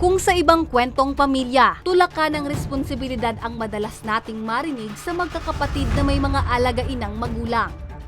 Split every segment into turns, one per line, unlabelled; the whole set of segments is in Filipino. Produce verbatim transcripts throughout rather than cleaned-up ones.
Kung sa ibang kwentong pamilya, tulakan ng responsibilidad ang madalas nating marinig sa magkakapatid na may mga alagainang magulang.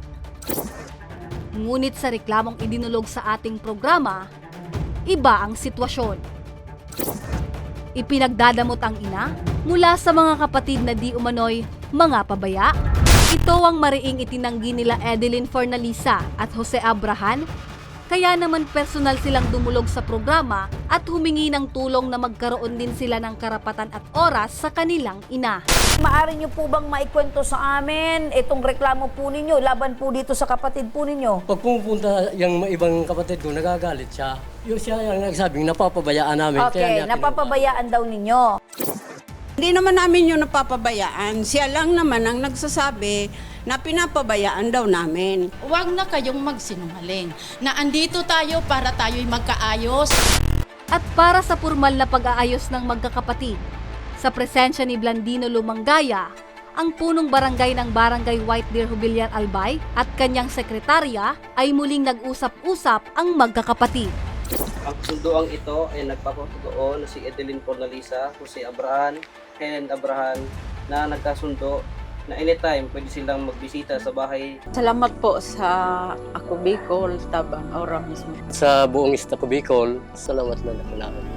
Ngunit sa reklamong idinulog sa ating programa, iba ang sitwasyon. Ipinagdadamot ang ina mula sa mga kapatid na di umano'y mga pabaya. Ito ang mariing itinanggi nila Edeline Fornalisa at Jose Abrahan. Kaya naman personal silang dumulog sa programa at humingi ng tulong na magkaroon din sila ng karapatan at oras sa kanilang ina.
Maaari niyo po bang maikwento sa amin itong reklamo po ninyo, laban po dito sa kapatid po ninyo?
Pag pumupunta yung ibang kapatid ko, nagagalit siya. Yung siya yung nagsabing napapabayaan namin.
Okay, napapabayaan daw ninyo.
Hindi naman namin yung napapabayaan. Siya lang naman ang nagsasabi na pinapabayaan daw namin.
Huwag na kayong magsinungaling na andito tayo para tayo'y magkaayos.
At para sa formal na pag-aayos ng magkakapatid, sa presensya ni Blandino Lumangaya, ang punong barangay ng Barangay White Deer Jubilar Albay at kanyang sekretarya ay muling nag-usap-usap ang magkakapatid.
Ang sunduang ito ay nagpapatutuo na si Edeline Fornalisa, Jose Abrahan, Helen Abrahan na nagkasundo na anytime pwede silang magbisita sa bahay.
Salamat po sa Ako Bicol, Tabang Aura mismo.
Sa buong Estado Bicol, salamat na naman.